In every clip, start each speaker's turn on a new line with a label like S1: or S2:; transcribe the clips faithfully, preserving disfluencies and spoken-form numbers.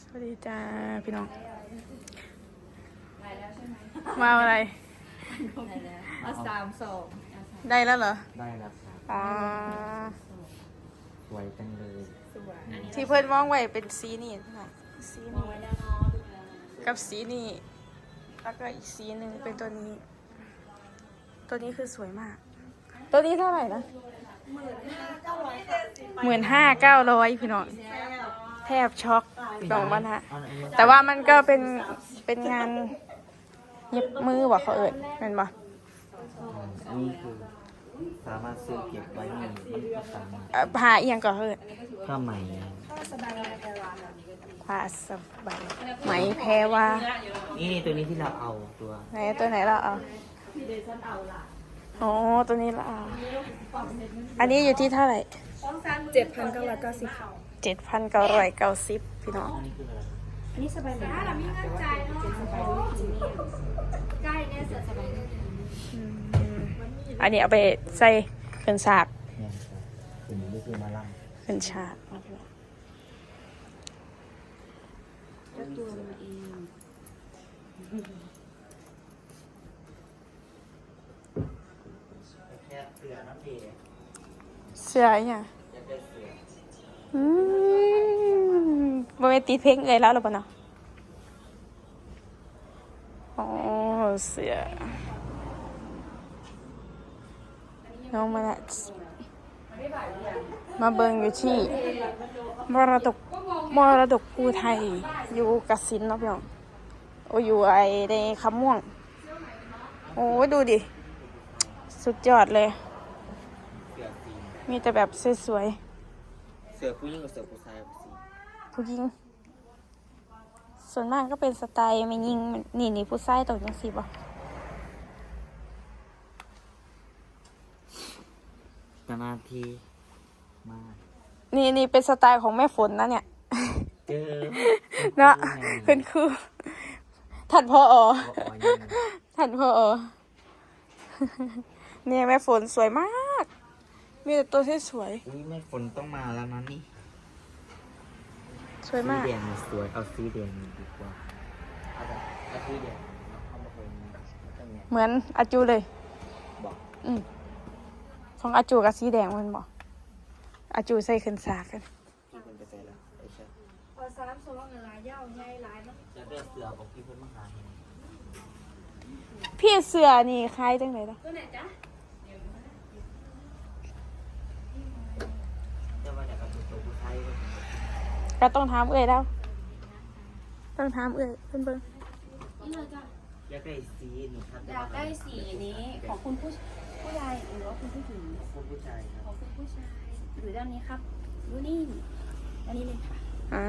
S1: วัสดีจ้าพี่น้องมาอะไร
S2: มาสามสอง
S1: ได้แล้วเหรอ
S3: ได้แล้วครับ
S1: อ๋อ
S3: สวยจังเลย
S1: ที่เพื่อนมองไว้เป็นสีนี่ค่ะสีนี้กับสีนี่แล้วก็อีกสีหนึ่งเป็นตัวนี้ ตัวนี้คือสวยมาก ตัวนี้เท่าไหร่นะหมื่นห้าเก้าร้อยพี่น้องแทบช็อกดองมันฮะแต่ว่ามันก็เป็นเป็นงานเย็บมือบอกเขาเอิญเป็นปะ
S3: อันนี้คือสามารถซื้อเก็บไว้ในมันก็สามารถ
S1: ผ้าเอียงก็เอิญ
S3: ผ้าไหม
S1: ผ้าสบายไหมแพรว่า
S3: นี่ตัวนี้ที่เราเอาตัว
S1: ไหนตัวไหนเราเอาอ๋อตัวนี้เราเอาอันนี้อยู่ที่เท่าไหร่
S2: เจ็ดพันเก้าร้อยเก้าสิบ
S1: เจ็ดพันเก้าร้อยเก้าสิบพี่น้อง
S3: อันนี้คืออะไร
S2: อันนี้สบายเหมือนกันแต่ว่าเป็นสบายด้วยจริงใกล้เนี่ยเสือสบาย
S1: อันนี้เอาไปใส่เป็นฉาก
S3: เนี่ยตัวนี้ก็คือมาล่ำ
S1: เป็นฉาก
S2: แล้วตัวมันเอง
S3: แค่เสือน้ำเดย์
S1: เสื้อเนี่ยอืมบริเวณตีเพลงเลยแล้วหรือเปล่าเนาะอ๋อเสื้อน้องมาละมาเบิงอยู่ที่มรดกมรดกภูไทยอยู่กสินเนาะพี่น้องโอ้อยู่ไอในคำม่วงโอ้ดูดิสุดยอดเลยมีแต่แบบสวย
S3: ๆเสือผู้หญิงกับเสือผู้ชาย
S1: ผู้หญิงส่วนมากก็เป็นสไตล์ไม่ยิงนี่นี่ผู้ชายตกยังสิบ่
S3: นานทีมา
S1: นี่นี่เป็นสไตล์ของแม่ฝนนะเนี่ย
S3: เจอ
S1: เนาะเป็นคือท่านพ่ออ๋อท่านพ่ออ๋อเนี่ยแม่ฝนสวยมากมีแต่ตัวที่สวย
S3: อุ้ยแม่ฝนต้องมาแล้วนะนี่
S1: สวยมาก
S3: สีแดงสวยเอาสีแดงดีกว่าเอาแบบเอาสีแดงเอามาเป็น
S1: เหมือนอาจูเลย
S3: บอก
S1: อืมของอาจูกับสีแดงมันบอกอาจูใส่ขึ้นสากัน
S3: พี่คนไปใส่แล้วไอ้เช่
S2: พอสามสองเงินลายยาวใหญ่หลายมั้ง
S3: จะเลือกเสือบอกพี่เพิ่นมาหาเห็น
S1: พี่เสือนี่คล้ายจังไหนล่ะ
S2: ตัวไหนจ๊ะ
S3: จะมาจากกับตัวผู้ชาย
S1: ก็ต้องถามเอ่ยแล้วต้องถามเอ่ยเพิ่นเบิ่ง
S2: นี่เลยจ้ะ
S3: อยากได้สีนี่ครับ
S2: อยากได้สีนี้ของคุณผู้ผู้ชายหรือว่าคุณผู้หญิง
S3: ของผู้ชายครับ
S2: ของคุณผู้ชายหรือด้านนี้ครับดูนี่อันนี้เลยค่ะ
S1: อ่า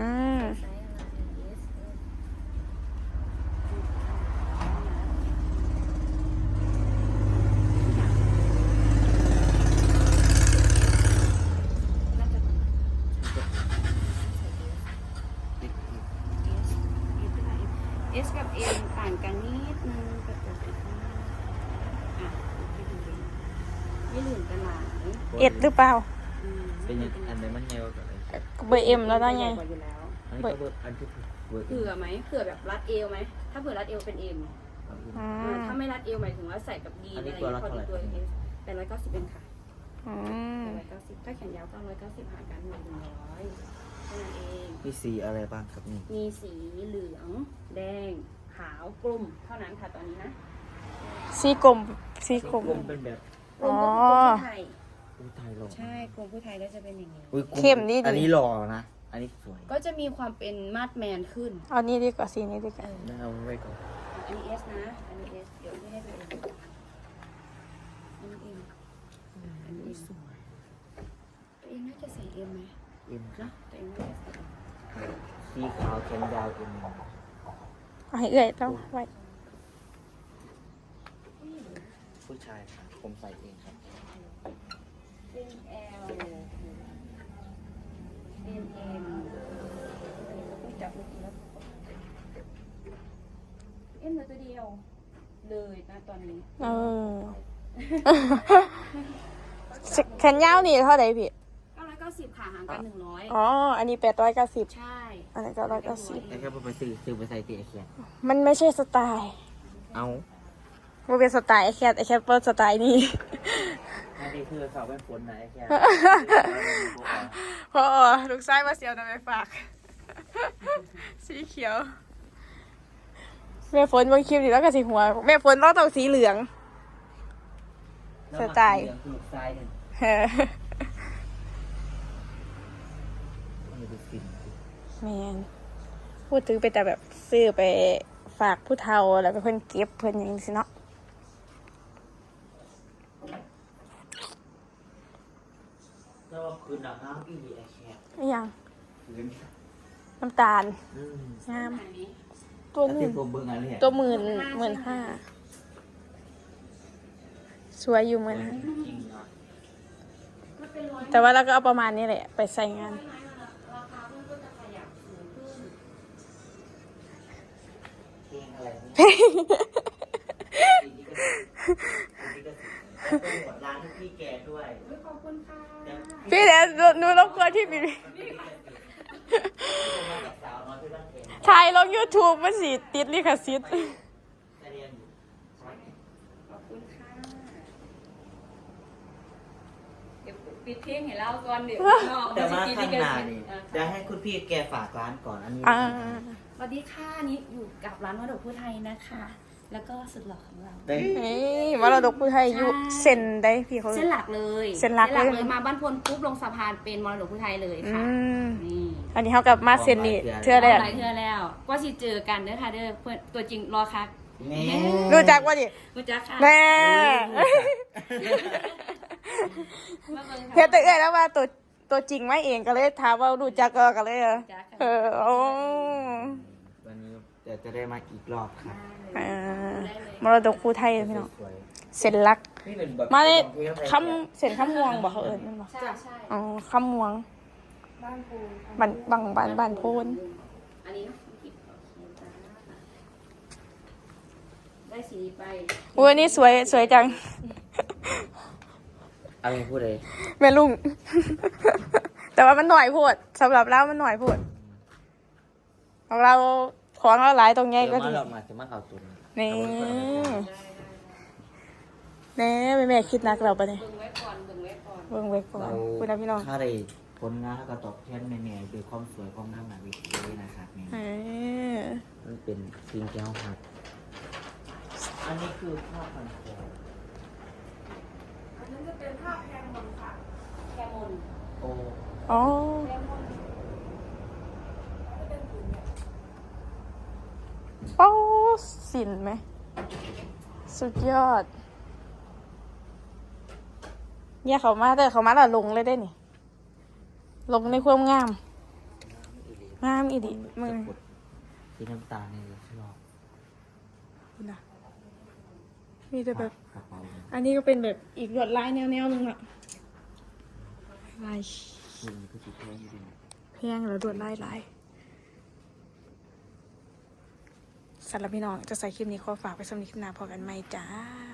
S2: เอสกับเอ็มต่างกันนิดนึงกับตัวสีข้างหน้าอ่ะไม่เหลืองกันหลาย
S1: เอ็ดหรือเปล่า
S3: เป็นยังอันไหนมันเงากับอะไร
S1: เบอร์เอ็มแล้วได้ไง
S3: อันนี้ก็เบอร์อันที่เบอร์
S2: เผื่อไหมเผื่อแบบรัดเอวไหมถ้าเผื่อรัดเอวเป็นเอ็มถ้าไม่รัดเอวหมายถึงว่าใส่กับดีอะไรพอดีตัวเอสแปดร้อยเก้าสิบเป็นค่ะแปดร้อยเก้าสิบถ้าแขนยาวเก้าร้อยเก้าสิบหารกันหนึ่งร้อยเท่านั้นเอง
S3: มีสีอะไรบ้างครับนี่
S2: มีสีเหลืองแดงขาวกลุ่มเท่านั้นค่ะตอนนี้นะ
S1: สีกลมสีกลม
S3: เป็นแบบ
S2: กลุ่มผู้ไทย
S3: ผู้ไทยหล่อ
S2: ใช่กลุ่มผู้ไทยก็จะเป็นอย่างนี้
S1: เข้มนี่
S3: อันนี้หล่อนะอันนี้สวย
S2: ก็จะมีความเป็นมาดแมนขึ้น
S1: เอานี้ดีกว่าสีนี้ดีกว่า
S3: เอาไว้ก่อน
S2: อันนี้เอสนะอันนี้เอสเดี๋ยวไม่ให้เป็นเอ็มอันนี้เอ็มอันนี้สวยตัวเองน่าจะใส่เอ็มไหม
S3: เอ็ม
S2: นะตัวเองน่าจะใส่
S3: สีขาวแขนยาวเอ็ม
S1: เอาให้เอ่ยต้องไว้
S3: ผู้ชายค่ะผมใส่เองครับ
S2: เป็นแอลเป็นเอ็มต้องจับมือแล้วเอ็มเหลือตัวเดียวเลยนะตอนนี้
S1: เออแขนยาวนี่เท่าไหร่พี่
S2: เก้าร้อยเก้าสิบค่ะห่างกันหนึ่งร้อย
S1: อ๋ออันนี้แปดร้อยเก้าสิบ
S2: ใช่
S1: อันนี้ก็ร้อยเก้าสิบ
S3: แต่แค่ไปซื้อซื้อไปใส่ตีไอแคน
S1: มันไม่ใช่สไตล์
S3: เอา
S1: มันเป็นสไตล์ไอแคทไอแคทเปิดสไตล์นี่
S3: อันนี้คือสาวเป็นฝนนะไอแคน
S1: พอลูกชายมาเสียวนำไปฝาก สีเขียว แม่ฝนบางคลิปนี่แล้วก็สีหัว แม่ฝนต้องต้องสีเหลือง สไตล์
S3: ลูกชายเนี่ย
S1: เออ
S3: มันดูฟิน
S1: แมนพูดถึงไปแต่แบบซื้อไปฝากผู้เฒ่าแล้วก็เพิ่นเก็บเพิ่นอย่างนี้สิเนาะ
S3: แล้วคือหนังน้ำอีไอแคน
S1: ไม่ยัง
S3: พื้น
S1: น้ำตาล
S3: อืม
S1: งาม ตัว
S3: แล้ว
S1: ห
S3: ที่
S1: นึ่ง
S3: ผมเบิ่งอะไรเนี่ย
S1: ตัวหมื่นหมื่นห้าสวยอยู่เหมือนกัน
S3: จริงๆนะ
S1: แต่ว่าเราก็เอาประมาณนี้แหละ ไปใส่งาน
S3: เพลงอะไรเนี่ยแล้วก็หมดร้านให้พี่แกด้วย
S2: ขอบคุณค่ะ
S1: พี่เดี๋ยวหนูรบกวนพี่บีถ่ายลง YouTube มันสิติดลิขสิทธิ์
S2: ขอบคุณค่ะเดี๋ยวปิดเพลงให้เราก่อนเดี๋ยวน้อง
S3: แต่ว่า
S2: จะ
S3: ข้าง
S2: กิ
S3: หน้า
S2: กั
S3: นี่
S2: อ่ะ
S3: เดี๋ยวให้คุณพี่แกฝากร้านก่อนอันนี้
S1: อ่า
S2: สวัสดีค่ะนี่อยู่กับร้านมรดกผู้ไทยนะคะ แล้วก็สุดหล่อของเรา
S3: ได้
S1: นี่มรดกผู้ไทยอยู่เซ็นได้พี่เขา
S2: เส้นหลักเลย
S1: เส้นหลักเลย
S2: มาบ้านพลปุ๊บลงสะพานเป็นมรดกผู้ไทยเลย
S1: อื
S2: ค่ะ
S1: ม
S2: นี่
S1: อันนี้เขากลับมาเซ็นนี่เทื่อแรก
S2: หลายเทื่อแล้วก็สิเจอกันเด้อค่ะเด้อเพื่อนตัวจริงรอค่ะ
S3: แม่
S1: รู้จักว่าดิ
S2: รู้จักค่ะ
S1: แม่
S2: มาเบิ่งค่ะ
S1: เฮ็ดแต่เอ้ยแล้วว่าตัวตัวจริงไม่เองก็เลยถามว่ารู้จักก็กันเลยเหรอ
S2: รู้จักค่ะ
S1: เออโอ้
S3: วันนี้เดี๋ยวจะได้มาอีกรอบครับ
S1: เออมรดกผู้ไทยพี่น้อง
S3: สวย
S1: เซ็นลัก
S3: ๆนี่เป็นแบบ
S1: มาเลย
S3: ที่เขา
S1: คำเซ็นคำม่วงบอกเขาเอิญนั่นบอก
S2: ใช่ใช่
S1: อ๋อคำม่วง
S2: บ้านปู
S1: บันบังบันบันโพน
S2: อันนี้เนาะหยิบโอเคจ้าได้สีไป
S1: อุ้ยอันนี้สวยสวยจัง
S3: อะไรพูดเลย
S1: แม่ลุง แต่ว่ามันหน่อยโพดสำหรับเรามันหน่อยโพดของเราของเราหลายตรงแง่
S3: เดี๋ยว
S1: ก็
S3: มา
S1: ดี
S3: หลอกมาจะมาเอาตุน
S1: นี่
S2: ได้ได้ได้
S1: แน่แม่แม่คิดนักเราปะเนี่ย
S2: เบิ่งไว้ก่อนเบิ่งไว้ก่อน
S1: เบิ่งไว้ก่อนคุณนะพี่น้อง
S3: ถ้าได้ผลงานแล้วก็ตอบแทนแม่ๆด้วยความสวยความงามหนาวิธีนะครับนี่
S1: เออ
S3: มันเป็นสิ่งที่เราครับอันนี้คือผ้าพันคอ
S2: อันนั้นจะเป็นภาพแคมอนค่ะแคมอน
S3: โอ้
S1: อ๋อ
S2: แคมอน
S1: โอ้สินไหม สุดยอด เนี่ยเขามาแต่เขามาและลงเลยได้นี่ ลงในความงาม งามอีดิมึง
S3: สีน้ำตาลนี่ชอบ
S1: นะมีแต่แบบ
S3: กระเป๋า
S1: อันนี้ก็เป็นแบบอีกลวดลายแนวๆนึงอะลาย
S3: คือมันก็สีแพงอยู่ดี
S1: แพงแล้วลวดลายลายสำหรับพี่น้องจะใส่คลิปนี้ขอฝากไปสำหรับคลิปหน้าพอกันไหมจ้า